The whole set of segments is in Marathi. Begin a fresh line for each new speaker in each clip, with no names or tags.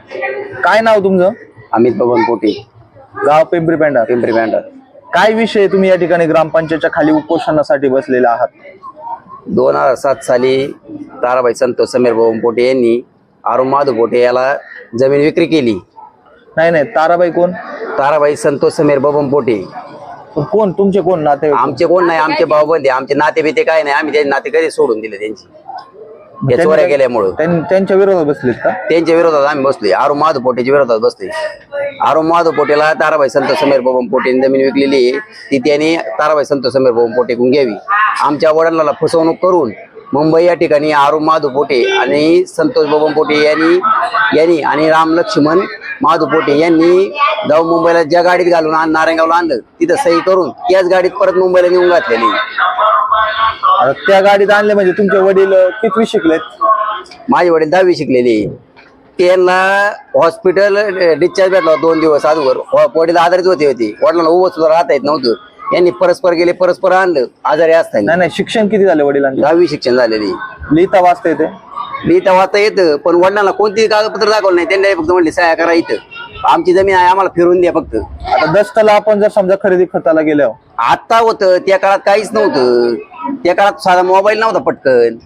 काय नाव तुमचं?
अमित बबन पोटे,
गाव पिंपरी पेंढार.
पिंपरी पेंढार.
काय विषय तुम्ही या ठिकाणी ग्रामपंचायतच्या खाली उपोषणासाठी बसलेले आहात?
2007 साली ताराबाई संतोष समीर बबन पोटे यांनी अरुण माधव पोटे याला जमीन विक्री केली.
नाही, ताराबाई कोण?
ताराबाई संतोष समीर बबन पोटे.
कोण तुमचे कोण नाते?
आमचे कोण नाही, आमचे भाऊबंद, आमचे नाते बिते काय नाही. आम्ही त्यांचे नाते कधी सोडून दिले त्यांची, या चोऱ्या केल्यामुळं.
त्यांच्या विरोधात बसलेत का?
त्यांच्या विरोधात आम्ही बसलोय, अरुण माधव पोटेच्या विरोधात बसलोय. अरुण माधव पोटेला ताराबाई संतोष समीर बबन पोटेने जमीन विकलेली आहे, ती त्यांनी ताराबाई संतोष समीर बबन पोटेकडून घ्यावी. आमच्या वडिलांना फसवणूक करून मुंबई या ठिकाणी अरुण माधव पोटे आणि संतोष बबन पोटे यांनी आणि राम लक्ष्मण माधव पोटे यांनी जाऊन मुंबईला ज्या गाडीत घालून नारायणगावला आणलं, तिथं सही करून त्याच गाडीत परत मुंबईला नेऊन घातलेली.
आता त्या गाडीत आणले म्हणजे तुमचे वडील कितवी शिकलेत?
माझे वडील 10वी शिकलेले. त्यांना हॉस्पिटल डिस्चार्ज भेटला 2 दिवस अगोदर. वडील आजारीच होते. वडिलांना उभं सुद्धा राहता येत नव्हतं. यांनी परस्पर गेले, परस्पर आणलं आजारी असताना.
नाही, शिक्षण किती झाले वडिलांचे?
10वी शिक्षण झालेली.
लिहिता वाचता येते?
लिहिता वाचता येतं, पण वडिलांना कोणतीही कागदपत्र दाखवलं नाही. त्यांनी फक्त म्हणले सह्या करा, इथं आमची जमीन आहे, आम्हाला फिरून द्या फक्त.
आता दस्ताला आपण जर समजा खरेदी खताला गेल्यावर
आता होतं, त्या काळात काहीच नव्हतं. त्या काळात साधा मोबाईल नव्हता पटकन.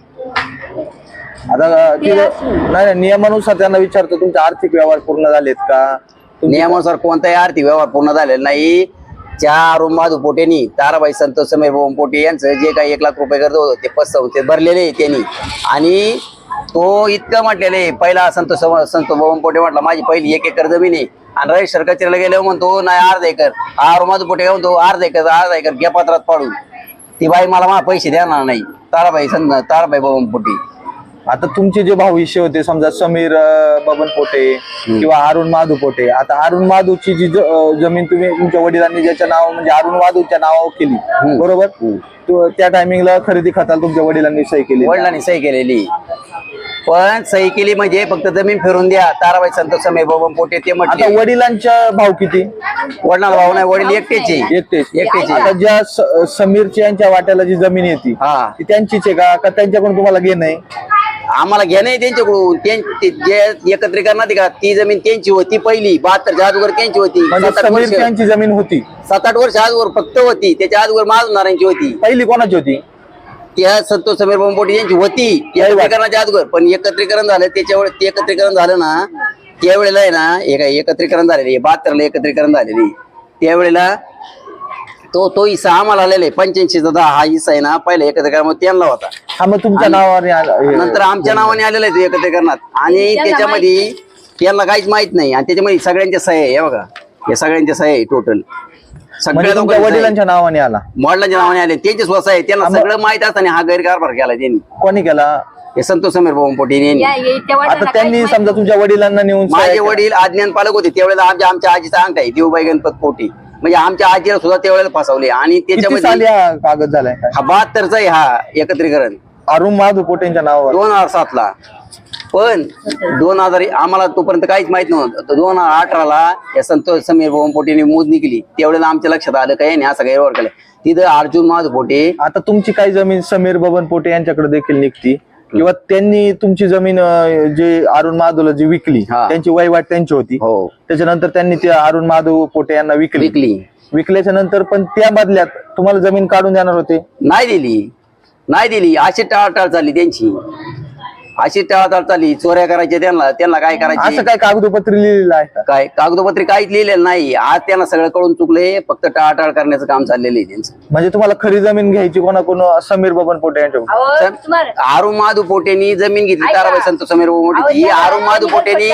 आता नाही, नियमानुसार त्यांना विचारतो तुमचे आर्थिक व्यवहार पूर्ण झालेत का?
नियमानुसार कोणताही आर्थिक व्यवहार पूर्ण झालेला नाही. त्या अरुण माधव पोटेनी ताराबाई संतोष समीर बबन पोटे यांचं जे काही 1 लाख रुपये कर्ज होतं ते पतसंस्थेत भरलेले त्यांनी. आणि तो इतकं म्हटलेले, पहिला संतोष बबन पोटे म्हटला माझी पहिली 1 एकर जमीन आहे, आणि रजिस्टर कचेरीला गेल्यावर म्हणतो नाही 1/2 एकर. अरुण माधव पोटे काय म्हणतो 1/2 एकर घ्या पत्रात पाडून. ती बाई मला पैसे देणार नाही, ताराबाई बबन पोटे.
आता तुमचे जे भाऊविषय होते समजा समीर बबन पोटे किंवा अरुण माधव पोटे, आता अरुण माधवची जी जमीन तुम्ही तुमच्या वडिलांनी ज्याच्या नाव म्हणजे अरुण माधवच्या नावावर केली, बरोबर? त्या टायमिंगला खरेदी खताला तुमच्या वडिलांनी सही केली?
वडिलांनी सही केलेली, पण सही केली म्हणजे फक्त जमीन फिरून द्या. ताराबाई संतोष समीर बबन पोटे ते म्हटले.
आता वडिलांच्या भाऊ किती?
वडिलांना भाऊ नाही, वडील एकटेच.
आता ज्या समीरच्या यांच्या वाट्याला जी जमीन येते ती त्यांचीच आहे का त्यांच्याकडून तुम्हाला घेणं आहे?
आम्हाला घेणं आहे त्यांच्याकडून. जे एकत्रीकरणात का ती जमीन त्यांची होती पहिली 72च्या अगोदर त्यांची होती.
समीर यांची जमीन होती
7-8 वर्ष अगोदर फक्त होती. त्याच्या अगोदर माधवनारायणची होती.
पहिली कोणाची होती?
त्या संतोष समीर बबन पोटे यांची होती एकत्रीकरणाच्या अगोदर. पण एकत्रीकरण झालं, त्याच्यावेळेस ते एकत्रीकरण झालं ना, त्यावेळेला आहे ना एकत्रीकरण झालेली 72ला एकत्रीकरण झालेली. त्यावेळेला तो हिस्सा आम्हाला आलेला आहे 85चा. हा हिस्सा आहे ना पहिला एकत्रीकरणामध्ये त्यांना होता.
हा, मग तुमच्या नावाने
नंतर आमच्या नावाने आलेला आहे एकत्रीकरणात. आणि त्याच्यामध्ये त्यांना काहीच माहित नाही. आणि त्याच्यामध्ये सगळ्यांच्या सह्या आहे, बघा या सगळ्यांच्या सह्या आहे टोटल. सगळ्या
वडिलांच्या नावाने आला,
वडिलांच्या नावाने आले, त्यांचे स्वतः आहे. त्यांना सगळं माहित असताना हा गैरकारभार केला त्यांनी.
कोणी केला?
हे संतोष समीर बबन पोटे यांनी.
आता त्यांनी समजा तुमच्या वडिलांना नेऊन
माझे वडील अज्ञान पालक होते त्यावेळेला. आमच्या आजीचा अंगठा आहे देवबाई गणपत पोटे, म्हणजे आमच्या आजीला सुद्धा त्यावेळेला फसवले. आणि त्याच्यामध्ये
कागद झालाय
हा 72चा आहे हा एकत्रीकरण
अरुण माधव पोटेंच्या नावावर
2007ला. पण 2000 आम्हाला तोपर्यंत काहीच माहित नव्हतं. 2018ला या संतोष समीर बबन पोटेने मोजणी केली. त्यावेळेला आमच्या लक्षात आलं काय नाही असं गैरव्यवहार केला. तिथं अर्जुन माधव पोटे.
आता तुमची काही जमीन समीर बबन पोटे यांच्याकडे देखील निघती किंवा त्यांनी तुमची जमीन जे अरुण माधवला जी विकली त्यांची वहिवाट त्यांची होती. त्याच्यानंतर त्यांनी ते अरुण माधव पोटे यांना विकल्याच्या नंतर पण त्या बदल्यात तुम्हाला जमीन काढून देणार होते?
नाही दिली. अशी टाळाटाळ चालली त्यांची, अशी टाळाटाळ चालली. चोऱ्या करायच्या त्यांना काय करायचं.
असं काय कागदोपत्री लिहिलेलं आहे?
काय कागदोपत्री काहीच लिहिलेलं नाही. आज त्यांना सगळं कळून चुकले. फक्त टाळाटाळ करण्याचं काम चाललेलं आहे त्यांचं.
म्हणजे तुम्हाला खरी जमीन घ्यायची कोणाकोण? समीर बबन पोटे यांच्याकडून.
अरुण माधव पोटेनी जमीन घेतली ताराबाई संतोष समीर बबन पोटे. ही अरुण माधव पोटेच्या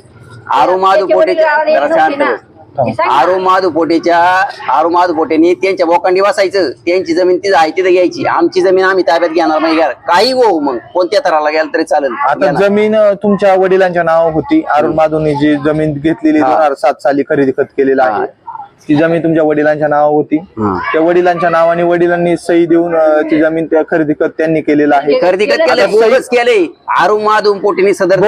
अरुण माधव पोटेनी त्यांच्या बोकांडी बसायचं. त्यांची जमीन तिथं आहे तिथं घ्यायची. आमची जमीन आम्ही ताब्यात घेणार नाही. काही हो, मग कोणत्या थराला गेला तरी चालेल.
आता जमीन तुमच्या वडिलांच्या नावावर होती. अरुण माधवनी जी जमीन घेतलेली 2007 साली खरेदी खत केलेला आहे, ती जमीन तुमच्या वडिलांच्या नावावर होती. त्या वडिलांच्या नावाने वडिलांनी सही देऊन ती जमीन त्या खरेदी खत त्यांनी केलेलं आहे.
खरेदी खत केले अरुण माधव पोटेनी सदर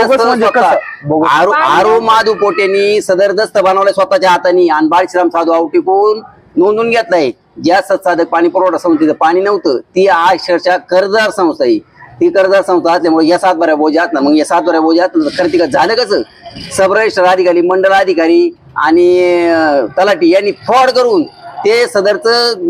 अरुण माधव पोटेनी सदर दस्त बनवलाय स्वतःच्या हाताने. आणि बाळश्राम साधू आवटीकून नोंदून घेतलाय. ज्या सत्साधक पाणी पुरवठा संस्थेचं पाणी नव्हतं ती अक्षरशः कर्जदार संस्था आहे. ती कर्जदार संस्था असल्यामुळे या 7 बऱ्या बोजा ना, मग या 7 बऱ्या बोजा खरेदी झालं कसं, सब रजिस्टर अधिकारी, मंडळ अधिकारी आणि तलाठी यांनी फ्रॉड करून ते सदरचं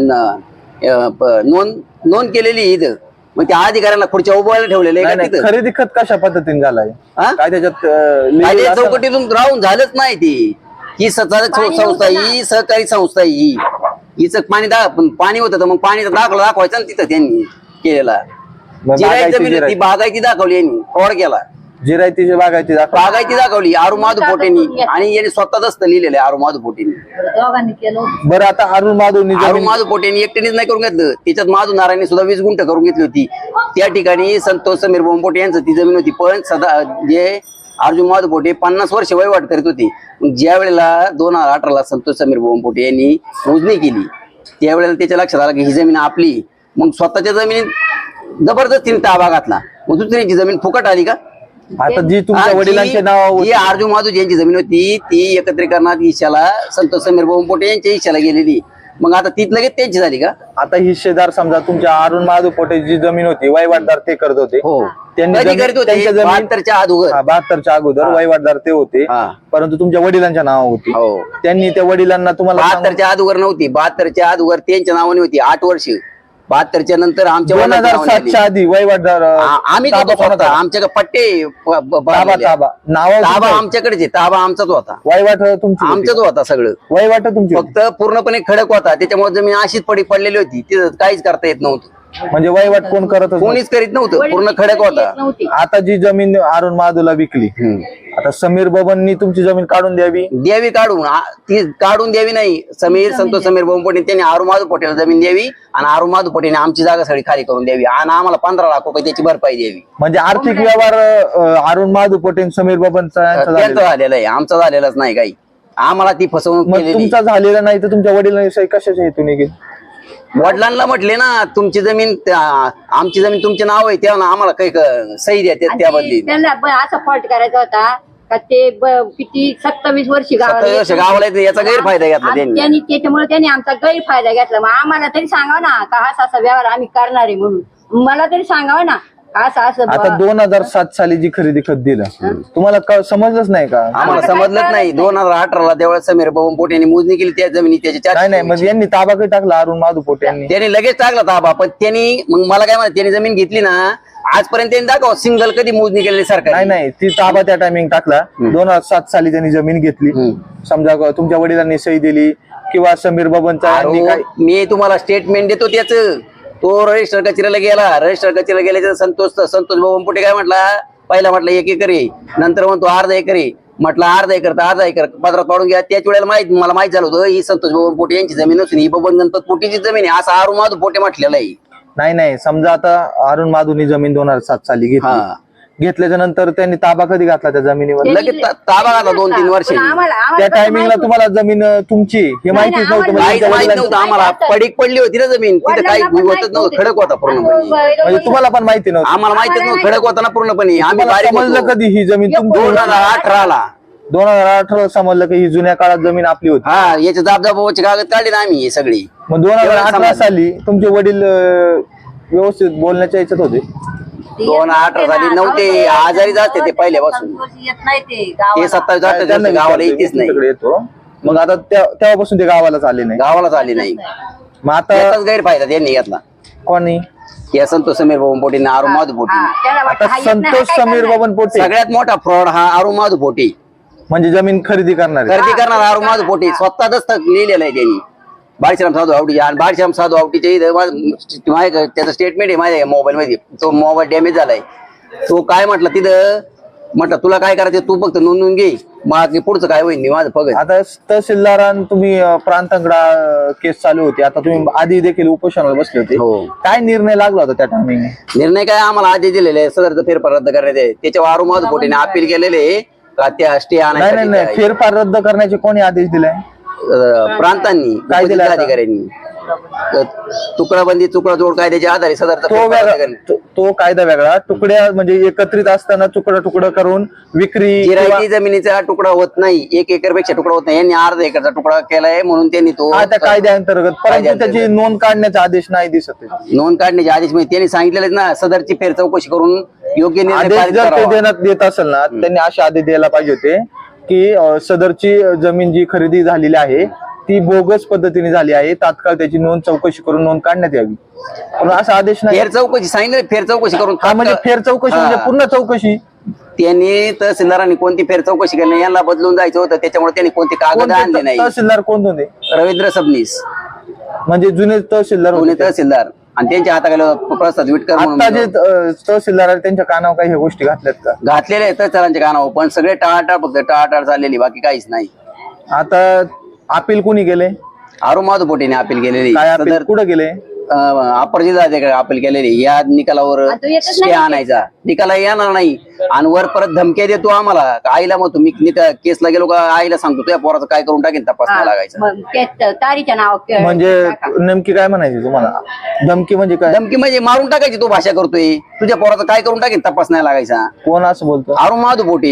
नोंद केलेली इथं, मग त्या अधिकाऱ्यांना खुर्च्या उभवायला ठेवलेले
नाही, नाही, खरेदी खत कशा पद्धतीने झालाय
हा?
काय त्याच्यात लिहिलेलं
काय
असेल?
चौकटीतून राहून झालंच नाही ती. ही संस्था, ही सहकारी संस्था, ही हिचं पाणी होतं तर मग पाणीचा दाखला दाखवायचा ना तिथं त्यांनी केलेला.
मग
जिरायती
बागायती
जमीन ती बागायती दाखवली यांनी, फ्रॉड केला.
जिरायतीची बागायती दाखवा.
बागायती दाखवली आरू माधू पोटेंनी, आणि यांनी स्वतः दस्त लिहिलेलं आहे आरू माधू पोटेंनी.
दोघांनी केलं.
बरं आता अरुण माधवनी
आरू
जमीन
माधू पोटेंनी एकट्यानेच नाही करून घेतलं, त्याच्यात माधू नारायणी सुद्धा 20 गुंठ करून घेतली होती. त्या ठिकाणी संतोष समीर बोंपोटे यांचं ती जमीन होती, पण सदा जे अर्जुन माधू पोटे 50 वर्ष वहिवाट करीत होते. मग ज्या वेळेला 2018ला संतोष समीर बोंपोटे यांनी मोजणी केली, त्यावेळेला त्याच्या लक्षात आलं की ही जमीन आपली. मग स्वतःच्या जमिनीत जबरदस्तीने ताबा घातला. मग दुसऱ्याची जमीन फुकट आली का?
आता जी तुमच्या वडिलांचे नाव
जी अर्जुन माधू यांची जमीन होती ती एकत्रीकरणात हिश्याला संतोष समीर बोंपोटे यांच्या हिश्याला गेलेली. मग आता ती लगेच त्यांची झाली का?
आता हिस्सेदार समजा तुमच्या अरुण माधव पोटे जी जमीन होती वहिवाटदार ते करत होते.
हो,
त्यांनी
कधी
जमीन-
करीत होते?
त्यांच्या जमीन
72च्या अगोदर.
72च्या अगोदर वहिवाटदार ते होते,
हा.
परंतु तुमच्या वडिलांच्या नाव होती.
हो.
त्यांनी त्या वडिलांना तुम्हाला सांगून-
72च्या अगोदर नव्हती, 72च्या अगोदर त्यांच्या नावाने होती 8 वर्ष. 72च्या नंतर आमच्या वडिलांच्या नावाने आली.
2007च्या आधी वहिवाटदार
आम्ही
ताबा
होतो
कोणाचा?
आमच्याकडे पट्टे
ताबा नाव
ताबा आमच्याकडेच आहे, ताबा आमचाच होता,
वहिवाट तुमची होती.
आमचाच होता सगळं.
वहिवाट तुमची होती.
फक्त पूर्णपणे खडक होता, त्याच्यामुळे जमीन अशीच पडलेली होती, तिथं काहीच करता येत नव्हतं,
म्हणजे वहिवाट कोण करत
कोणीच करीत नव्हतं, पूर्ण खडक होता.
नव्हती.
आता जी जमीन अरुण माधवला विकली, आता समीर बबननी तुमची जमीन काढून द्यावी.
द्यावी काढून, ती काढून द्यावी नाही, संतोष समीर बोंपोटे त्यांनी आरू माधू पोटेला जमीन द्यावी, आणि आरू माधू पोटेने आमची जागा सगळी खाली करून द्यावी, आणि आम्हाला 15 लाख रुपये त्याची भरपाई द्यावी.
म्हणजे आर्थिक व्यवहार अरुण माधव पोटे आणि समीर बबनचा यांचा
त्यांचं
झालेला.
झालेलं आहे, आमचा झालेलाच नाही काही. आम्हाला ती फसवणूक
मग
केलेली.
तुमचा झालेला नाही तर तुमच्या वडिलांनी कशाच्या हेतूने गेली?
वडिलांना म्हटले ना तुमची जमीन आमची जमीन तुमचे नाव आहे, तेव्हा आम्हाला काही सही द्या
आणि
त्या बदली.
त्यांना असा फॉल्ट करायचा होता का ते किती 27 वर्षी
27 वर्ष गावाला येते, याचा गैरफायदा घेतला त्यांनी.
त्याच्यामुळे त्यांनी आमचा गैरफायदा घेतला. मग आम्हाला तरी सांगावं ना का असा व्यवहार आम्ही करणार आहे म्हणून, मला तरी सांगावं ना असं
आता 2007 साली जी खरेदी खत दिलं तुम्हाला समजलंच नाही का?
आम्हाला समजलंच नाही. 2018ला त्यावेळेस समीर बोंपोटे यांनी मोजणी केली त्या जमिनी त्याच्या
नाही नाही, म्हणजे यांनी ताबा काही टाकला अरुण माधव पोटे यांनी?
त्यांनी लगेच टाकला ताबा, पण त्यांनी मग मला काय म्हणत, त्यांनी जमीन घेतली ना, आजपर्यंत त्यांनी दाखव सिंगल कधी मोजणी केलेली सरकार.
नाही नाही, ती ताबा त्या टायमिंग टाकला. 2007 साली त्यांनी जमीन घेतली, समजा तुमच्या वडिलांनी सही दिली किंवा समीर बबनचा यांनी काय?
मी तुम्हाला स्टेटमेंट देतो त्याच. तो रजिस्टर कचेरीला गेला, रजिस्टर कचेरीला गेल्याच्या संतोष बोंपोटे काय म्हटला, पहिला म्हटलं 1 एकर आहे, नंतर म्हणतो अर्धा एकर आहे, म्हटलं अर्धा एकर तर अर्धा एकर पदरात पाडून घ्या. त्याच वेळेला मला माहित झालं होतं ही संतोष बोंपोटे यांची जमीन असून ही बबन गणपत पोटेची जमीन आहे, असं अरुण माधव पोटे म्हटलेलं आहे.
नाही नाही, समजा आता अरुण माधवनी जमीन 2007 साली घेतली, घेतल्याच्या नंतर त्यांनी ताबा कधी घातला त्या जमिनीवर?
लगेच ताबा घातला 2-3 वर्ष.
त्या टायमिंगला तुम्हाला जमीन तुमची हे माहितीच नव्हतं?
काहीच
म्हणजे
माहित नव्हतं आम्हाला, पडीक पडली होती ना जमीन, तिथे काही होतच नव्हतं, खडक होता पूर्णपणे.
म्हणजे तुम्हाला पण माहिती नव्हतं?
आम्हाला माहितीच नव्हतं, खडक होता ना पूर्णपणे. आम्ही
तुम्हाला
बारीक
समजलं
होतो.
कधी ही जमीन तुमची?
2018ला
2018 समजलं की ही जुन्या काळात जमीन आपली होती.
हा, याचे जाबजाबाची कागद काढले ना आम्ही हे सगळी.
मग 2018 साली तुमचे वडील व्यवस्थित बोलण्याच्या याच्यात होते?
2018 साली नव्हते, आजारी जाते ते पहिल्यापासून.
येत नाही ते
ते 27-28 गावाला येतेच नाही,
तुमच्याकडे येतो. मग आता तेव्हापासून ते गावालाच आले नाही.
गावालाच आली नाही.
मग आता
याचाच गैरफायदा त्यांनी घेतला.
कोणी?
या संतोष समीर बोंपोटे, अरुण माधव पोटे.
आता संतोष समीर बबन पोटे
सगळ्यात मोठा फ्रॉड हा अरुण माधव पोटे.
म्हणजे जमीन खरेदी करणार
खरेदी करणार अरुण माधव पोटे, स्वतः दस्तक लिहिलेलं आहे त्यांनी बाळशाम साधू आवटीचे. आणि बाळशाम साधू आवटीचे त्याचं स्टेटमेंट आहे माझ्या मोबाईल मध्ये. तो मोबाईल डॅमेज झालाय. तो काय म्हटलं तिथं, म्हटलं तुला काय करायचं तू फक्त नोंदवून घे, मग पुढचं काय होईल मी माझं बघ.
आता तहसीलदारान तुम्ही प्रांतंगडा केस चालू होती, आता तुम्ही आधी देखील उपोषणाला बसले होते. काय निर्णय लागला होता त्या टायमिंग?
निर्णय काय आम्हाला आधी दिलेले आहे, सदरचं फेरफार रद्द करण्यात आहे. त्याच्यावर अरुण माधव पोटेने अपील केलेले का त्या स्टे
नाही नाही, फेरफार रद्द करण्याचे कोणी आदेश दिलाय?
प्रांतांनी,
काय दिलं?
अधिकाऱ्यांनी. तुकडाबंदी तुकडा जोड कायद्याच्या आधारे सदरचा
तो
फेरफार
वेगळा
करणे.
तो कायदा वेगळा. तुकड्या म्हणजे एकत्रित असताना तुकडा तुकडा करून विक्री
जिरायती जमिनीचा तुकडा होत नाही, 1 एकर पेक्षा तुकडा होत नाही. यांनी अर्धा एकरचा तुकडा केलाय म्हणून त्यांनी तो
त्या कायद्याअंतर्गत, परंतु त्याची नोंद काढण्याचा आदेश नाही दिसत आहे.
नोंद काढण्याचे आदेश म्हणजे त्यांनी सांगितलेले ना, सदरची फेर चौकशी करून योग्य निर्णय
आदेश
पारित
जर ते
करावा.
देण्यात देत असेल ना, त्यांनी असे आदेश द्यायला पाहिजे होते की सदरची जमीन जी खरेदी झालेली आहे ती बोगस पद्धतीने झाली आहे, तात्काळ त्याची नोंद चौकशी करून नोंद काढण्यात यावी. पण असा आदेश नाही.
फेर चौकशी सांगितलं, फेर चौकशी करून
म्हणजे फेर चौकशी म्हणजे पूर्ण चौकशी.
त्यांनी तहसीलदारांनी कोणती फेर चौकशी केली नाही, यांना बदलून जायचं होतं, त्याच्यामुळे त्यांनी कोणते कागद आणले नाही.
तहसीलदार कोण होते?
रवींद्र सबनीस,
म्हणजे जुने तहसीलदार
पुणे
होते.
तहसीलदार, आणि त्यांच्या हाताखाली प्रसाद विटकर म्हणून
आता जे तहसीलदार आहेत त्यांच्या कानावर काही ह्या गोष्टी घातल्यात का?
घातलेले आहेत तहसीलदारांच्या कानावर, पण सगळे टाळाटाळ, फक्त टाळाटाळ चाललेली, बाकी काहीच नाही.
आता अपील कोणी गेले?
आरू माधव पोटेने अपील केलेली,
काय अपील कुठे गेले?
अप्पर जिल्हाधिकारी अपील केलेली. या निकालावर
आता येतच
स्टे
नाही.
आणायचा, निकाला येणार नाही. आणि वर परत धमक्या देतो आम्हाला, आईला मग तुम्ही केसला गेलो का आईला सांगतो तुझ्या पोराचं काय करून टाकेन, तपास नाही लागायचा.
मग ते तारीच्या नाव
म्हणजे नेमकी काय म्हणायची तुम्हाला? धमकी म्हणजे काय?
धमकी म्हणजे मारून टाकायची, तो भाषा करतोय, तुझ्या पोराचं काय करून टाकेन, तपास नाही लागायचा.
कोण असं बोलतो?
आरू माधव पोटे,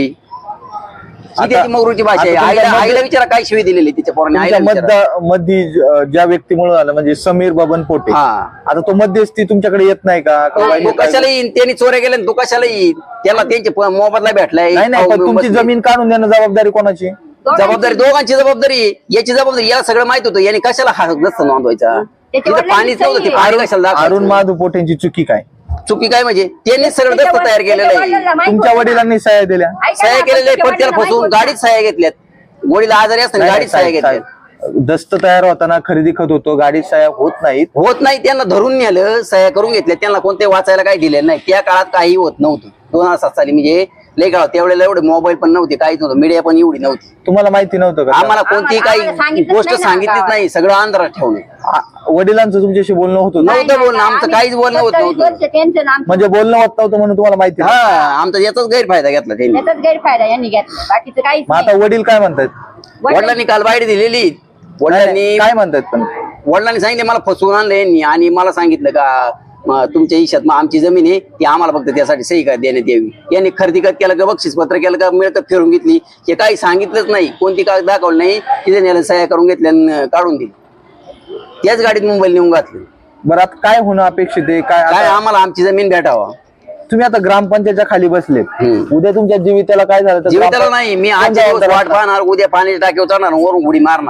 ही त्याची मगरूची भाषा आहे. आईला विचारा काय शिवी दिलेली तिच्या पोराने, आईला विचारा.
मध्ये ज्या व्यक्तीमुळे झालं म्हणजे समीर बबन पोटे,
हा,
आता तो मध्यस्थी तुमच्याकडे येत नाही का?
तो कशाला येईन? त्यांनी चोऱ्या केल्या, तो कशाला येईन? त्याला त्यांचे मोबदला भेटलाय.
नाही नाही, पण तुमची जमीन काढून देणं जबाबदारी कोणाची?
जबाबदारी दोघांची जबाबदारी, याची जबाबदारी याला सगळं माहित होतं, याने कशाला हा दस्त नोंदवायचा? तिथं पाणीच नव्हतं, ते पाणी कशाला
अरुण
दाखवायचं?
महादू पोटेंची चुकी काय?
चुकी काय म्हणजे त्यांनी सगळं दस्त तयार केलेलं आहे,
तुमच्या वडिलांनी सह्या दिल्या.
सह्या केलेल्या आहे, पण त्याला फसवून गाडीत सह्या घेतल्यात. गोडीला आजारी असताना गाडीत सह्या घेतल्यात.
दस्त तयार होताना खरेदी खत होतो, गाडीत सह्या होत नाहीत.
होत नाही, त्यांना धरून नेलं, सह्या करून घेतल्या, त्यांना कोणते वाचायला काही दिलेलं नाही. त्या काळात काही होत नव्हतं, 2007 साली, म्हणजे लय काळ त्यावेळेला एवढे मोबाईल पण नव्हते, काहीच नव्हतं, मीडिया पण एवढी नव्हती.
तुम्हाला माहिती नव्हतं का?
आम्हाला कोणती काही गोष्ट सांगितलीच नाही, सगळं अंधारात ठेवलं.
वडिलांचं तुमच्याशी बोलणं होत होतं?
नव्हतं बोलणं, आमचं काहीच बोलणं होत नव्हतं.
म्हणजे बोलणं होत नव्हतं म्हणून तुम्हाला माहिती नाही?
हा, आमचा याचाच गैरफायदा घेतला त्यांनी.
गैरफायदा यांनी घेतला, बाकीचं काहीच
मग आता वडील काय म्हणतात?
वडिलांनी काल बाईट दिलेली. वडिलांनी
काय म्हणतात? पण
वडिलांनी सांगितले मला फसवून आणलं यांनी, आणि मला सांगितलं का तुमच्या हिशात मग आमची जमीन आहे ती आम्हाला फक्त त्यासाठी सही का देण्यात यावी. यांनी खरेदी खत केलं का, बक्षीस पत्र केलं का, मिळकत फिरून घेतली, हे काही सांगितलंच नाही, कोणती कागद दाखवलं नाही. तिथे नेलं, सह्या करून घेतल्या आणि काढून दिली, त्याच गाडीत मुंबईला नेऊन घातलं.
बरं, आता काय होणं अपेक्षित आहे? काय
आम्हाला आमची जमीन भेटावा.
तुम्ही आता ग्रामपंचायतच्या खाली बसलेत, उद्या तुमच्या जीविताला काय झालं तर
जीविताला नाही, मी आजच्या दिवस वाट पाहणार, उद्या पाण्याच्या टाकीवर चढणार, वरून उडी मारणार.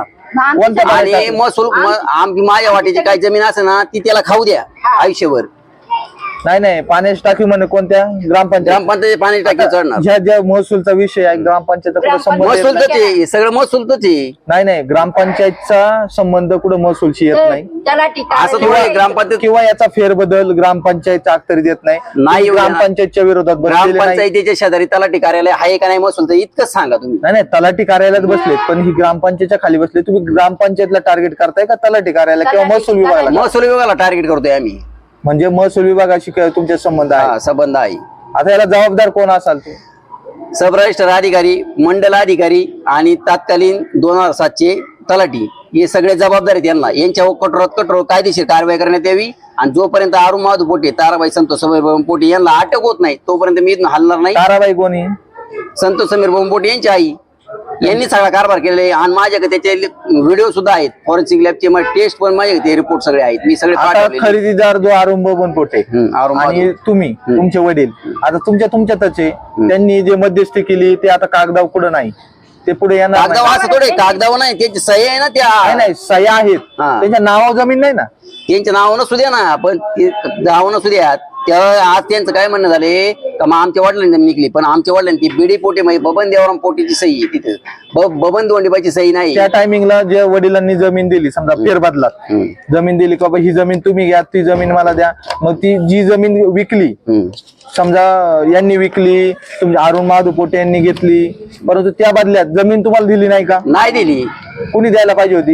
आणि महसूल माझ्या वाटेची काही जमीन असेल ना ती त्याला खाऊ द्या आयुष्यभर.
नाही नाही, पाण्याची टाकी म्हणे कोणत्या?
ग्रामपंचायत पाण्याची टाकी चढणार.
ज्या महसूलचा विषय आहे ग्रामपंचायत संबंध
महसूलच आहे, सगळं महसूलच आहे.
नाही, ग्रामपंचायतचा संबंध कुठं महसूलशी येत नाही.
असं थोडं ग्रामपंचायत
किंवा याचा फेरबदल ग्रामपंचायत अखत्यारीत येत नाही. ग्रामपंचायतच्या विरोधात
ग्रामपंचायतीच्या शेजारी तलाठी कार्यालय आहे का नाही महसूलचं, इतकंच सांगा तुम्ही.
नाही, तलाठी कार्यालयात बसलेत, पण ही ग्रामपंचायतच्या खाली बसले. तुम्ही ग्रामपंचायतला टार्गेट करताय का तलाठी कार्यालय किंवा महसूल विभागाला?
महसूल विभागाला टार्गेट करतोय आम्ही.
म्हणजे महसूल विभागाशी तुमचे संबंध आहे?
संबंध आहे.
आता याला जबाबदार कोण असाल? ते
सब रजिस्टर अधिकारी, मंडल अधिकारी आणि तत्कालीन 2007चे तलाठी, हे सगळे जबाबदार आहेत. यांना यांच्यावर कठोर कायदेशीर कारवाई करण्यात यावी. आणि जोपर्यंत आरू माधव पोटे, ताराबाई संतोष समीर बबन पोटे यांना अटक होत नाही तोपर्यंत मी इथून हलणार नाही.
ताराबाई कोणी?
संतोष समीर बबन पोटे यांची आई. यांनी सगळा कारभार केलेला, आणि माझ्याकडे त्याचे व्हिडिओ सुद्धा आहेत, फॉरेन्सिक लॅबचे टेस्ट पण माझ्याकडे रिपोर्ट सगळे आहेत, मी सगळे पाठवले.
खरेदीदार जो अरुण बबन पोटे आणि तुम्ही, तुमचे वडील, आता तुमच्यातच आहे. त्यांनी जे मध्यस्थी केली ते आता कागदावर कुठं नाही, ते पुढे येणार.
कागदावर असं थोडे, कागदावर नाही, त्यांची सही आहे ना, त्या
नाही सह्या आहेत, त्यांच्या नावावर जमीन नाही ना.
त्यांच्या नावानं सुद्धा ना, पण नावानं सुद्धा आज त्यांचं काय म्हणणं झाले का मग आमच्या वडिलांनी जमीन निघली, पण आमच्या वडिलांनी ती बीडी पोटे म्हणजे बबन देवराम पोटेची सही आहे तिथं, बबन दोंडीबाची सही नाही.
त्या टायमिंगला जे वडिलांनी जमीन दिली, समजा फेरबदलात जमीन दिली का ही जमीन तुम्ही घ्या, ती जमीन मला द्या, मग ती जी जमीन विकली, समजा यांनी विकली, तुमच्या अरुण महादू पोटे यांनी घेतली, परंतु त्या बदल्यात जमीन तुम्हाला दिली नाही का?
नाही दिली.
कुणी द्यायला पाहिजे होती?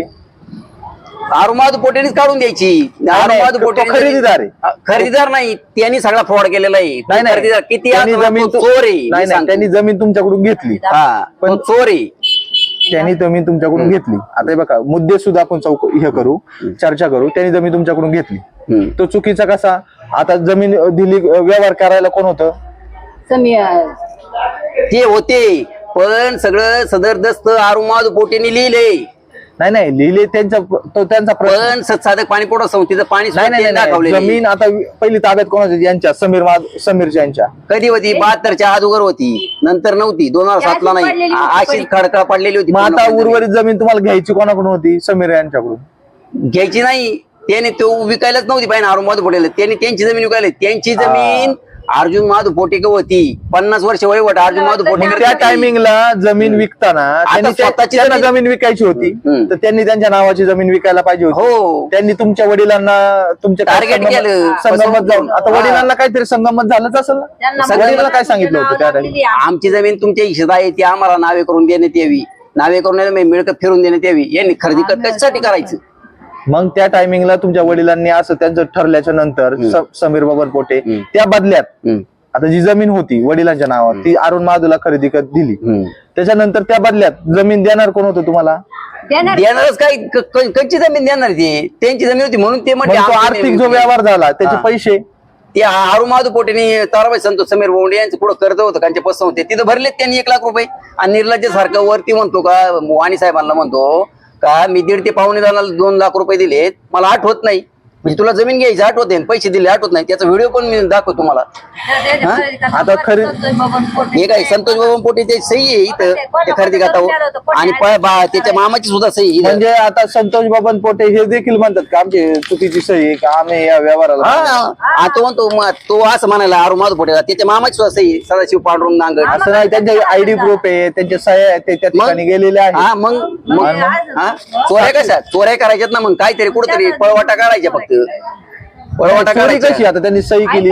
अरुण महादू पोटेनीच काढून द्यायची. अरुण महादू पोटे
खरेदीदार आहे.
खरेदीदार नाही, त्यांनी सगळा फ्रॉड केलेला आहे. खरेदीदार किती
जमीन
चोर आहे.
त्यांनी जमीन तुमच्याकडून घेतली,
पण चोर आहे.
त्यांनी जमीन तुमच्याकडून घेतली. आता हे बघा, मुद्दे सुद्धा आपण हे करू, चर्चा करू. त्यांनी जमीन तुमच्याकडून घेतली, तो चुकीचा कसा? आता जमीन दिली, व्यवहार करायला कोण होतं?
ते होते, पण सगळं सदरदस्त आरुमाद पोटेने लिहिले.
नाही लिहिले, त्यांचा
पण साधक पाणी पुरवठा संस्थेचं पाणी दाखवले.
जमीन आता पहिली ताब्यात कोणाची? यांच्या समीरच्या यांच्या.
कधी होती? 72च्या अगोदर होती, नंतर नव्हती. 2007 ला नाही, अशीच खडखड पडलेली होती.
मग आता उर्वरित जमीन तुम्हाला घ्यायची कोणाकडून होती? समीर यांच्याकडून.
घ्यायची नाही, त्याने तो विकायलाच नव्हती पाहिजे आरुमाद पोटेला. त्यांनी त्यांची जमीन विकायला. त्यांची जमीन अर्जुन महादू पोटेक होती. 50 वर्ष वयवट अर्जुन महादू पोटे.
त्या टायमिंगला जमीन विकताना
स्वतःची
जमीन विकायची होती, तर त्यांनी त्यांच्या नावाची जमीन विकायला पाहिजे होती.
हो,
त्यांनी तुमच्या वडिलांना तुमच्या
टार्गेट केलं,
संगमत जाऊन. आता वडिलांना काहीतरी संगमत झालंच असेल ना? वडिलांना काय सांगितलं होतं त्या टाइम?
आमची जमीन तुमच्या हिशेत आहे, ती आम्हाला नावे करून देण्यात यावी. नावे करून मिळकत फिरून देण्यात यावी. यांनी खरेदी कशासाठी करायचं?
मग त्या टायमिंगला तुमच्या वडिलांनी असं त्यांचं ठरल्याच्या नंतर समीर बबन पोटे त्या बदल्यात आता जी जमीन होती वडिलांच्या नावावर ती अरुण महादूला खरेदी करत दिली. त्याच्यानंतर त्या बदल्यात जमीन देणार कोण होतं तुम्हाला?
देणारच काही कच्ची जमीन देणार, ती त्यांची जमीन होती म्हणून ते म्हटले.
आर्थिक जो व्यवहार झाला त्याचे पैसे
ते अरुण महादू पोटेनी ताराबाई संतोष समीर बोंडे यांचं पुढे कर्ज होतं त्यांचे पसंत होते, तिथं भरलेत त्यांनी 1 लाख रुपये. आणि निर्लज्ज सारखं वरती म्हणतो का, वाणी साहेबांना म्हणतो का मी 1.5 ते 2 लाख रुपये दिलेत, मला आठवत नाही. म्हणजे तुला जमीन घ्यायची आठवत नाही, पैसे दिले आठवत नाही. त्याचा व्हिडिओ पण मी दाखवतो तुम्हाला.
आता खरी
हे काय संतोष बाबा पोटे ते सही आहे इथं ते खरेदी खात्यावर, आणि त्याच्या मामाची सुद्धा सही.
म्हणजे आता संतोष बबन पोटे हे देखील म्हणतात का आमची चुकीची सही आहे का, आम्ही या व्यवहाराला?
तो म्हणतो तो असं म्हणायला अरुण महादू पोटेला त्याच्या मामाची सुद्धा सही, सदाशिव पांडुरंग नांगड.
असं नाही, त्यांचे आयडी प्रूफ आहे, त्यांच्या सह्या आहेत, ते त्या ठिकाणी गेलेले आहेत.
हा मग चोऱ्या कशा? चोऱ्या करायच्यात ना, मग काहीतरी कुठेतरी पळवाटा काढायच्या. फक्त पळवाटा काढायची
कशी? आता त्यांनी सही केली,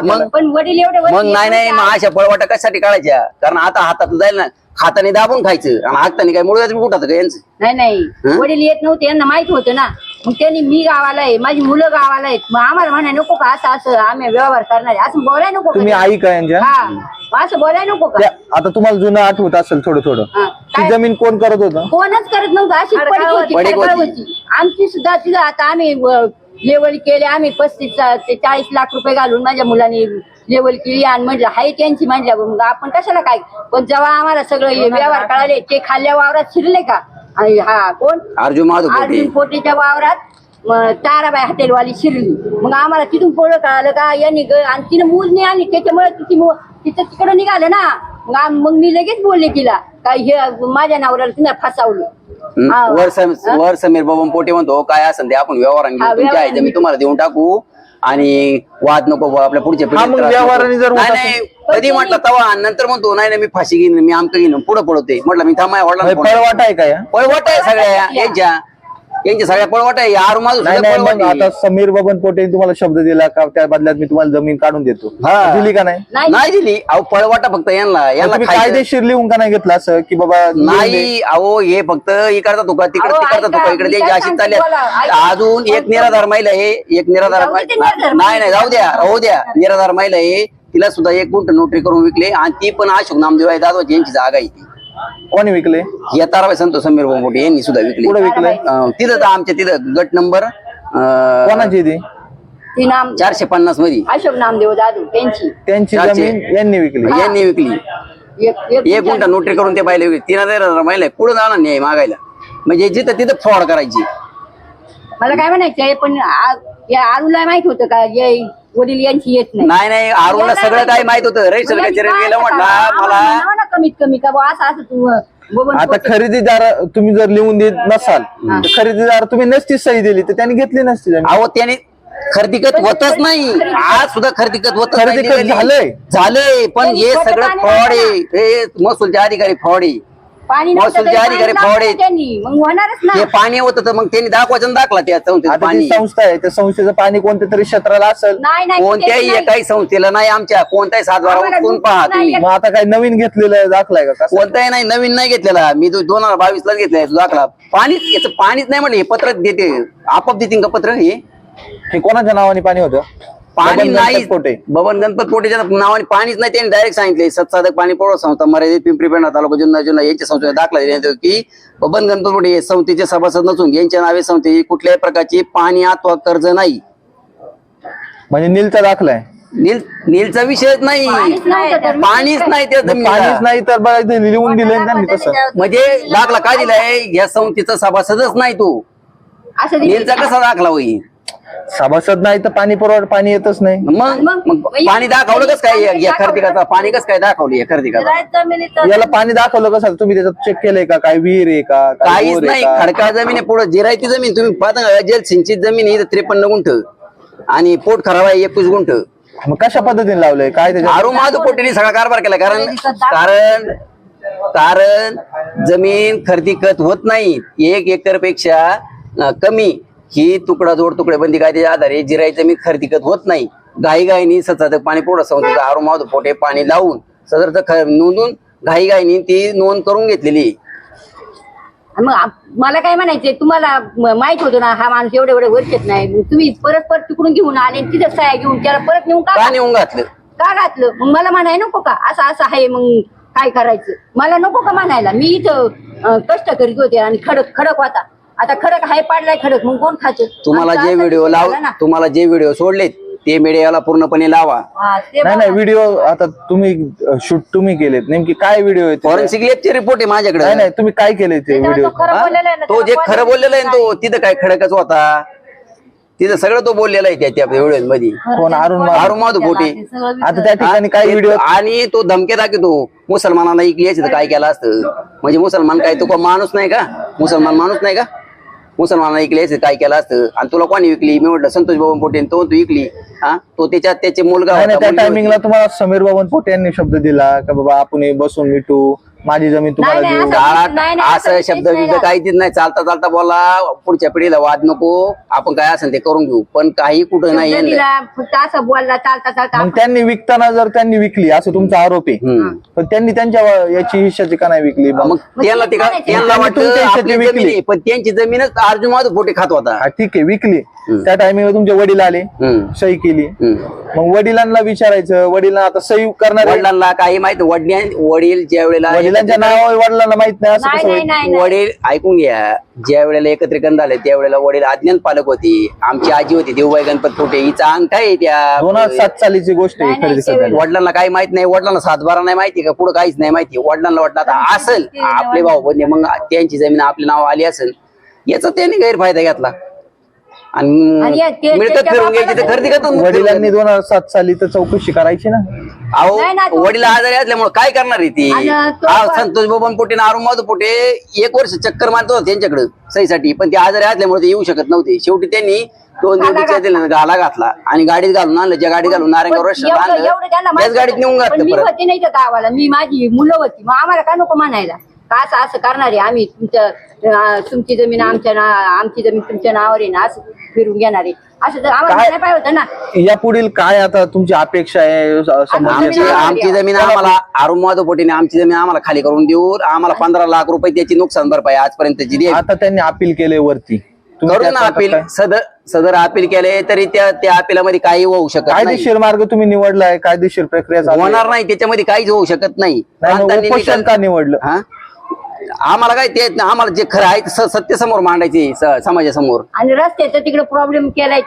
मग नाही मग अशा पळवाटा कशासाठी काढायच्या? कारण आता हातात जाईल ना, हाताने दाबून खायचं आणि हाताने काय मुळे उठात का यांचं?
नाही वडील येत नव्हते, यांना माहित होतं ना. मग त्यांनी मी गावाला आहे, माझी मुलं गावाला आहेत, मग आम्हाला म्हणाय नको का असं आम्ही व्यवहार करणार आहे असं बोलाय नको?
तुम्ही आई का यांच्या?
हा, असं बोलाय नको का?
आता तुम्हाला जुनं आठवत असेल थोडं ती जमीन कोण करत होतं?
कोणच करत नव्हतं, अशी पडीक होती आमची सुद्धा. तिथं आता आम्ही लेवल केले, आम्ही 35 ते 40 लाख रुपये घालून माझ्या मुलांनी लेवल केली. आणि म्हटलं हाय त्यांची म्हटल्यावर मग आपण कशाला काय. पण जेव्हा आम्हाला सगळं हे व्यवहार कळाले, ते खाल्ल्या वावरात शिरले का? आणि हा कोण? अर्जुन पोटेच्या वावरात ताराबाई हॉटेलवाली शिरली. मग आम्हाला तिथून पुढं कळालं का यांनी आणि तिने मोजणी आणली, त्याच्यामुळे तिचं तिकडं निघालं ना. मग मी लगेच बोलले तिला काय हे माझ्या नवऱ्याला तिने फसवलं.
वर समीर बाबा पोटे म्हणतो काय असेल ते आपण व्यवहारांनी तुमच्या आहे मी तुम्हाला देऊन टाकू आणि वाद नको आपल्या पुढच्या कधी म्हटलं तवा. नंतर म्हणतो नाही मी फाशी घेईन, मी आमचं घेईन, पुढे पळवते. म्हटलं मी थांबाय वडला
पळवाट आहे काय?
पळवाट आहे सगळ्या यांच्या सगळ्या पळवाट आहे.
आता समीर बबन पोटे तुम्हाला शब्द दिला का त्या बदल्यात मी तुम्हाला जमीन काढून देतो, दिली का नाही?
नाही दिली. अहो पळवाटा फक्त यांना
कायदेशीर लिहून का नाही घेतलं असं की बाबा
नाही? अहो हे फक्त इकडचा तुका तिकडे तिकडचा तुका इकडे त्यांची अशी चालली. अजून एक निराधार महिला आहे, एक निराधार नाही जाऊ द्या राहू द्या. निराधार महिला आहे, तिला सुद्धा 1 गुंठ नोटरी करून विकले. आणि ती पण अशोक नामदेव आहे दादा यांची जागा आहे. ती
कोणी विकले?
या ताराबाई संतोष समीर बोंबोटे यांनी सुद्धा विकली.
कुठे विकले?
तिथं आमच्या तिथं गट नंबर
कोणाची ती?
450 मध्ये
अशोक नामदेव दादू
त्यांची जमीन यांनी विकली.
1 गुंठ नोटरी करून ते पाहिले विकली. 3000 महिला पुढे जाणार नाही मागायला, म्हणजे जिथं तिथं फ्रॉड करायची.
मला काय म्हणायचंय, पण आरूला माहित होतं का वडील यांची येत
नाही? आरूला सगळं काय माहित होतं. रजिस्टर गेलं म्हटलं मला
कमीत कमी का असं तू.
आता खरेदीदार तुम्ही जर लिहून देत नसाल तर खरेदीदार तुम्ही नसती सही दिली तर त्यांनी घेतली नसती.
अहो त्याने खरेदीकत होतच नाही, आज सुद्धा खरेदीकत होत झालंय. पण हे सगळं फ्रॉड आहे. हे महसूलचे अधिकारी फ्रॉड आहे. महसूलचे अधिकारी फ्रॉड आहेत. हे पाणी होतं तर मग त्यांनी दाखवायचं दाखला. त्या
पाणी संस्था आहे, त्या संस्थेचं पाणी कोणत्या तरी क्षेत्राला असेल.
कोणत्याही एकाही संस्थेला नाही. आमच्या कोणत्याही 7-12 कोण पहा तुम्ही.
मग आता काय नवीन घेतलेलं दाखलाय का?
कोणताही नाही, नवीन नाही घेतलेला. मी 2022 ला घेतलाय दाखला. पाणीच याचं पाणीच नाही म्हटलं. हे पत्र देते आपोआप देतील का पत्र? हे
कोणाच्या नावाने पाणी होतं?
पाणी
बबन
नाही.
गणपत पोटे.
बबन गणपत पोटेच्या नावाने पाणीच नाही. त्यांनी डायरेक्ट सांगितले सत्साधक पाणी पुरवठा संस्था मर्यादित पिंपरी पेंढा तालुका जुन्नर यांच्या संस्थेने दाखला दिला की बबन गणपत पोटे हे संस्थेचे सभासद नसून यांच्या नावे संस्थेची कुठल्याही प्रकारची पाणी अथवा कर्ज नाही.
म्हणजे नीलचा दाखला आहे.
नीलचा विषयच नाही.
पाणीच नव्हतं तर
पाणीच नाही त्या
मग
जमिनीला.
पाणीच नाही तर बघा इथे लिहून दिलंय ना त्यांनी तसं.
म्हणजे दाखला काय दिलाय या संस्थेचा सभासदच नाही तो.
असं दिलं.
नीलचा कसा दाखला होईल.
सभासद नाही तर पाणी पुरवठा पाणी येतच नाही.
मग पाणी दाखवलं कस काय या खरेदीकरता पाणी कसं काय दाखवलं या खरेदीकरता.
जमिनीचं
याला पाणी दाखवलं कसं तुम्ही त्याच्यात चेक केलंय का काय विहीर आहे का काय
काहीच
बोर आहे
नाही.
का?
खडकाळ जमीन आहे. पुढे जिरायती जमीन तुम्ही पाहता जलसिंचित जमीन आहे 53 गुंठ आणि पोट खराब आहे 21 गुंठ.
मग कशा पद्धतीने लावलंय काय त्याच्यात?
आरू माझं पोटीने सगळा कारभार केला. कारण कारण जमीन खरेदी खत होत नाही. 1 एकर पेक्षा कमी ही तुकडा जोड तुकडे बंदी कायद्याच्या आधारे जिराई जमीन खरेदी खत होत नाही. घाईघाईनी सतत पाणी पुरवठा संस्थेचा आरू माझं पोटे पाणी लावून सदरचं नोंदून घाईघाईनी ती नोंद करून घेतलेली.
मग मला काय म्हणायचंय तुम्हाला माहित होतं ना हा माणूस एवढे वर्षात नाही. मग तुम्ही परत तिकडून घेऊन आले आणि तिथं सह्या घेऊन त्याला परत नेऊन
का नेऊन घातलं.
का घातलं. मग मला म्हणाय नको का असं असं आहे मग काय करायचं. मला नको का म्हणायला. मी इथं कष्ट करीत होते आणि खडक होता. आता खडक हाय पाडलाय खडक मग कोण खात.
तुम्हाला जे व्हिडिओ तुम्हाला जे व्हिडिओ सोडले ते मीडियाला पूर्णपणे लावा.
नाही व्हिडिओ आता तुम्ही शूट तुम्ही केलेत नेमकी काय व्हिडिओ आहे
फॉरेन्सिक लॅबचे रिपोर्ट आहे माझ्याकडे.
नाही तुम्ही काय केले ते व्हिडिओ?
तो जे खरं बोललेला आहे तो तिथं काय खडकच होता. तिथं सगळं तो बोललेला आहे त्या व्हिडिओ मध्ये.
कोण?
अरुण माधव पोटे.
आता त्या ठिकाणी काय व्हिडिओ
आणि तो धमके दाखवतो मुसलमानांना इकली तर काय केलं असतं. म्हणजे मुसलमान काय तो माणूस नाही का. मुसलमान माणूस नाही का. मुसलमानांना इकली काय केलं असतं. आणि तुला कोणी विकली. मी म्हटलं संतोष बाबा पोटे तो विकली. हा तो त्याचे मुलगा
नाही त्या टायमिंगला तुम्हाला समीर बाबन पोटे यांनी शब्द दिला का बाबा आपण बसून मिटू माझी जमीन तुम्हाला
नाही,
देऊ.
नाही,
असं शब्द विब्द काहीच नाही. चालता चालता बोला पुढच्या पिढीला वाद नको. आपण काय असेल ते करून घेऊ. पण काही कुठं नाही
शब्द दिला, फक्त असं बोलला चालता
मग त्यांनी विकताना जर त्यांनी विकली असं तुमचा आरोप आहे पण त्यांनी त्यांच्या याची हिश्शाची का नाही विकली?
मग त्यांना ते का त्यांना वाटतं आपली जमीन आहे, पण त्यांची जमीनच अर्जुन माधव पोटे खात होता.
ठीक आहे विकली. त्या टायमिंगला तुमचे वडील आले सही केली. मग वडिलांना विचारायचं. वडिलांना आता सही करणार
वडिलांना काही माहित. वडील ज्या वेळेला
वडिलांच्या नावावर वडिलांना माहित नाही असं कसं होईल?
वडील ऐकून घ्या. ज्या वेळेला एकत्रीकरण झाले त्यावेळेला वडील अज्ञान पालक होती. आमची आजी होती देऊबाई गणपत पोटे. हिचा अंक आहे त्या
2007 सालीची गोष्ट आहे खरेदी करण्याची.
वडिलांना काही माहित नाही. वडिलांना 7-12 नाही माहिती का पुढे काहीच नाही माहिती. वडिलांना वाटलं आता असेल आपले भाऊ बंधे मग त्यांची जमीन आपल्या नाव आली असेल याचा त्यांनी गैरफायदा घेतला आणि मिळकत फिरून घ्यायची तर खरेदी करतो.
वडिलांनी 2007 साली तर चौकशी करायची ना.
अहो वडील आजारी असल्यामुळे काय करणार आहे ती. संतोष बबन पोटे अरुण माधव पोटे 1 वर्ष चक्कर मारत होता त्यांच्याकडे सहीसाठी. पण ते आजारी असल्यामुळे ते येऊ शकत नव्हते. शेवटी त्यांनी 2 दिवसाच्या दिला गाला घातला आणि गाडीत घालून आणलं. ज्या गाडीत घालून नारायणगाव रस्त्यात आणलं त्याच गाडीत नेऊन घातलं.
मी होते नाही तर गावाला. मी माझी मुलं होती. मग आम्हाला काय नको म्हणायला का असं करणार आहे आम्ही तुमची जमीन आमची जमीन तुमच्या नावावर आहे ना असं फिरून घेणार आहे असं तर आम्हाला नाही पाहिजे होतं ना.
या पुढील काय आता तुमची अपेक्षा आहे?
आमची जमीन आम्हाला अरुण माधव पोटेने आमची जमीन आम्हाला खाली करून देऊ. आम्हाला 15 लाख रुपये त्याची नुकसान भरपाई आजपर्यंतची द्यावी.
आता त्यांनी अपील केले वरती
करून ना अपील. सदर अपील केले तरी त्या अपिलामध्ये काही होऊ शकत नाही.
कायदेशीर मार्ग तुम्ही निवडलाय. कायदेशीर प्रक्रिया
होणार नाही. त्याच्यामध्ये काहीच होऊ शकत नाही.
उपोषण का निवडलं?
हा आम्हाला काय ते आम्हाला जे खरं आहे सत्य समोर मांडायचे समाजासमोर.
आणि रस्त्याचा तिकडे प्रॉब्लेम केलाय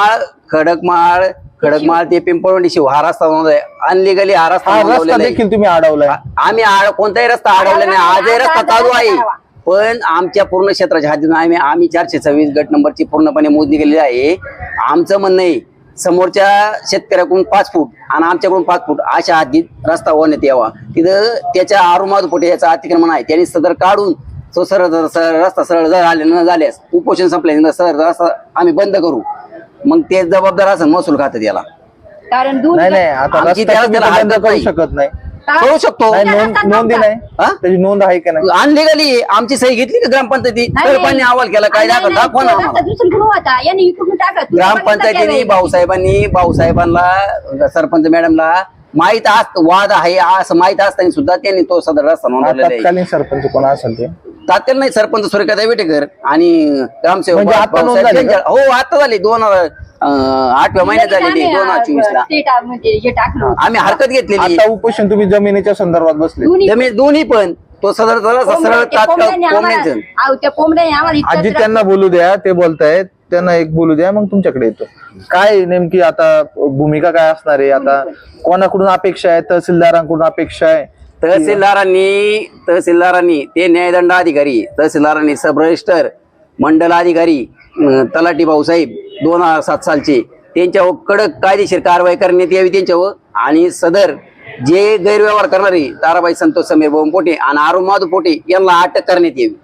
खडकमाळ ते पिंपळवंडी शिव हा रस्ता अनलिगली हा रस्ता
देखील तुम्ही अडवलाय.
आम्ही कोणताही रस्ता अडवला नाही. आजही रस्ता चालू आहे. पण आमच्या पूर्ण क्षेत्राच्या हद्दीतून आम्ही 426 गट नंबरची पूर्णपणे मोजणी केलेली आहे. आमचं म्हणणं आहे समोरच्या शेतकऱ्याकडून 5 फूट आणि आमच्याकडून 5 फूट अशा हद्दीत रस्ता होण्यात यावा. तिथं त्याच्या अरुण माधव पोटे याचं अतिक्रमण आहे. त्यांनी सदर काढून तो रस्ता सरळ न झाल्यास उपोषण संपल्यानंतर सरळ रस्ता आम्ही बंद करू. मग ते जबाबदार असेल महसूल खात्यात याला.
कारण
नाही आता बंद करू शकत नाही.
करू शकतो.
नोंदी नाही त्याची नोंद आहे का नाही?
अनलिगली आमची सही घेतली का ग्रामपंचायती सरपंचाने अहवाल केला काय दाखवा ना. ग्रामपंचायतीने भाऊसाहेबांना सरपंच मॅडमला माहित वाद आहे असं माहित असताना सुद्धा त्यांनी तो सदर रस्ता नोंदवलेला आहे.
तत्कालीन सरपंच कोण असेल ते
तात्काळ नाही सरपंच सूर्यकांत विटेकर आणि ग्रामसेवक
म्हणजे आता नोंद झाली का?
हो आता झाली 8व्या महिन्यात झालेली 2024 ला
हे टाकलं
आम्ही हरकत घेतलेली
आता उपोषण तुम्ही जमिनीच्या संदर्भात बसले.
जमीन दोन्ही पण तो सरळ तात्काळ कोंबड्यांचं
त्या कोंबड्याने आम्हाला इतकं
आजी
त्रास-
त्यांना बोलू द्या, ते बोलतायत, त्यांना एक बोलू द्या, मग तुमच्याकडे येतो. काय नेमकी आता भूमिका काय असणार आहे? आता कोणाकडून अपेक्षा आहे? तहसीलदारांकडून अपेक्षा आहे?
तहसीलदारांनी ते न्यायदंड अधिकारी, तहसीलदारांनी सब रजिस्टर, मंडल अधिकारी, तलाठी भाऊसाहेब 2007 सालचे त्यांच्यावर कडक कायदेशीर कारवाई करण्यात यावी त्यांच्यावर. आणि सदर जे गैरव्यवहार करणारे ताराबाई संतोष समीर भाऊ पोटे आणि अरुण माधव पोटे यांना अटक करण्यात यावी.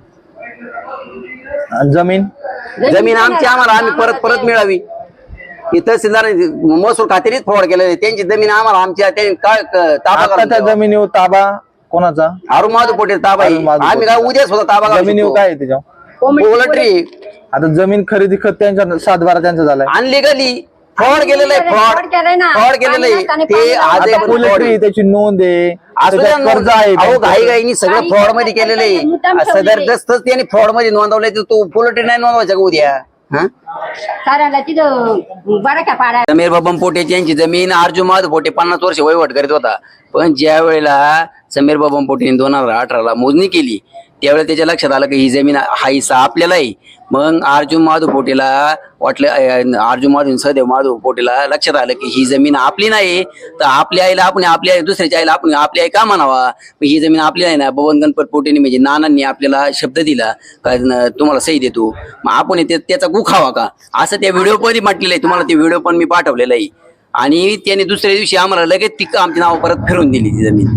आणि जमीन
जमीन आम्हाला आम्ही परत मिळावी. ही तहसीलदार महसूल खात्यानेच फ्रॉड केलेले, त्यांची जमीन आम्हाला आमच्या ताबा
आता त्या
करून
जमिनीवर ताबा कोणाचा?
अरुण माधव पोटे ताबा आहे.
अरुण माधव
आम्ही काय उद्या सुद्धा ताबा
जमिनीवर काय आहे त्याच्या?
पोल्ट्री
आता जमीन खरेदी खत त्यांच्या 7/12 त्यांचा झालाय.
अनलिगली फ्रॉड केलेलं आहे.
फ्रॉड केलंय ना.
फ्रॉड केलेलं आहे ते आज
आता पोल्ट्री त्याची नोंद आहे, त्याच्यात कर्ज आहे.
घाईघाईनी सगळं फ्रॉड मध्ये केलेलं आहे. सदरदस्तच त्यांनी फ्रॉड मध्ये नोंदवलंय, तर तू पोल्ट्री नाही नोंदवायचा का उद्या?
साऱ्याला तिथं बरं का पाडा
समीर बाबा पोटेची यांची जमीन अर्जुन माधव पोटे 50 वर्ष वहिवाट करीत होता. पण ज्या वेळेला समीर बाबा पोटेने 2018ला मोजणी केली त्यावेळेला त्याच्या लक्षात आलं की ही जमीन हा हिस्सा आपल्याला आहे. मग अर्जुन माधव पोटेला वाटलं, अर्जुन माधव सदैव माधव पोटेला लक्षात आलं की ही जमीन आपली नाही, तर आपल्या आईला आपण आपल्या दुसऱ्याच्या आईला आपण आपली आई का म्हणावा? ही जमीन आपली आहे ना. बबन गणपत पोटेने म्हणजे नानांनी आपल्याला शब्द दिला का तुम्हाला सही देतो, मग आपण त्याचा गुखावा का असं त्या व्हिडिओ मध्ये म्हटलेलं आहे. तुम्हाला ते व्हिडिओ पण मी पाठवलेला आहे. आणि त्याने दुसऱ्या दिवशी आम्हाला लगेच ती आमची नाव परत फिरवून दिली ती जमीन.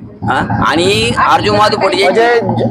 आणि अर्जुन माधव पोटे
म्हणजे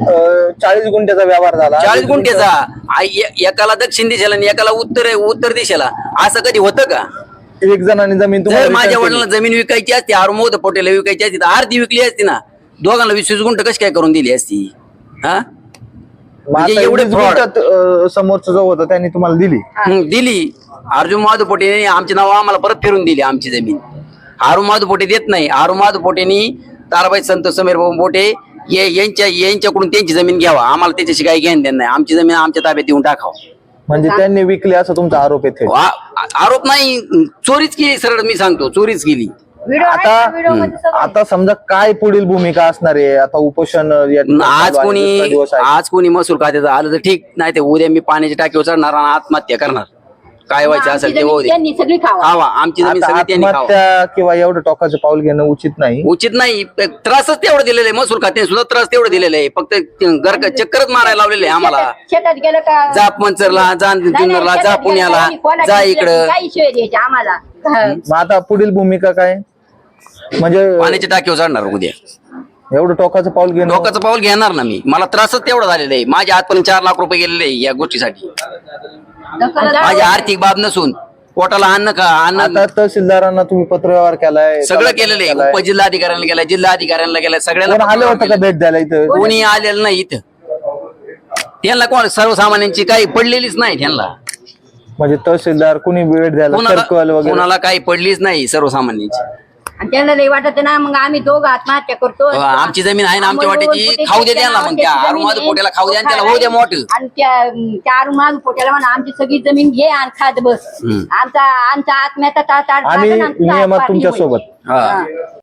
40 गुंठ्याचा व्यवहार झाला.
40 गुंठ्याचा एकाला दक्षिण दिशेला आणि एकाला उत्तर दिशेला, असं कधी होतं का?
एक जणांनी जमीन
जर
तुम्हाला
माझ्या
return
वडिलांना जमीन विकायची असती, अरुण माधव पोटेला विकायची असती, तर अर्धी विकली असती ना. दोघांना 20 गुंठ कशी काय करून दिली असती?
केली. मग
म्हणजे
आता
एवढे
20
fraud.
गुंठ्यात, समोरचं जो होतं त्यांनी तुम्हाला दिली.
दिली. अर्जुन माधव पोटेने आमची नाव आम्हाला परत फिरून दिली आमची जमीन. अरुण माधव पोटे देत नाही. अरुण माधव पोटेनी ताराबाई संतोष समीर भाऊ पोटे यांच्याकडून त्यांची जमीन घ्यावा, आम्हाला त्याच्याशी काही घेणं देणं नाही. आमची जमीन आमच्या ताब्यात देऊन टाकावं.
म्हणजे त्यांनी विकली असं तुमचा आरोप आहे.
आरोप नाही, चोरीच केली. सरळ मी सांगतो, चोरीच केली.
व्हिडिओ आहे त्या व्हिडिओमध्ये सगळं.
आता समजा काय पुढील भूमिका असणार आहे? आता उपोषण या ठिकाणी
आज
चालू आहे, दुसरा दिवस आहे.
कोणी महसूल खात्याचं आलं तर ठीक, नाही ते उद्या मी पाण्याच्या टाकीवर चढणार आणि आत्महत्या करणार. काय व्हायचं
आमची
असेल ते
जमीन
होऊ दे.
त्यांनी सगळी खावा.
खावा आमची जमीन
आता
सगळी त्यांनी खावा.
आत्महत्या किंवा एवढं टोकाचं पाऊल घेणं उचित नाही.
उचित नाही. त्रासच तेवढं दिलेलं आहे. महसूल खात्याने सुद्धा त्रास तेवढं दिलेलं आहे. फक्त चक्करच मारायला लावलेले आहे आम्हाला.
शेतात गेलं का
जा मंचरला, जा
नाही,
जुन्नरला, जा
शेतात गेलं
पुण्याला,
का कोणाची
जा इकडं.
काही शिवाय द्यायचे आम्हाला.
मग आता पुढील भूमिका काय? म्हणजे
पाण्याच्या टाकीवर चढणार उद्या.
एवढं टोकाचं पाऊल घेणं
डोक्याचं पाऊल घेणार ना मी. मला त्रासच तेवढा झालेला आहे. माझ्या हातपर्यंत 4 लाख रुपये गेलेले आहे या गोष्टीसाठी. माझी आर्थिक बाब नसून पोटाला अन्न
आता तहसीलदारांना तुम्ही पत्रव्यवहार केलाय,
सगळं केलेलं आहे. उपजिल्हाधिकाऱ्यांना केलाय, जिल्हाधिकाऱ्यांना केलाय,
कोण
सगळ्यांना
आले होतं का भेट द्यायला इथं?
कोणी आलेलं नाही इथं. त्यांना कोण सर्वसामान्यांची काही पडलेलीच नाही. त्यांना
म्हणजे तहसीलदार कोणी भेट द्यायला, सर्कल वगैरे
कोणाला काही पडलीच नाही सर्वसामान्यांची.
आणि त्यांना लई वाटत ना, मग आम्ही दोघं आत्महत्या करतो.
आमची जमीन आहे ना आमच्या वाट्याची, खाऊ दे त्यांना. मग त्या अरुण माधव पोटेला खाऊ द्या आणि त्याला होऊ द्या मोठं.
आणि त्या अरुण माधव पोट्याला म्हणा आमची सगळी जमीन घे आणि खात बस. आमचा आत्म्याचा
आम्ही नियमात तुमच्या सोबत.
हा.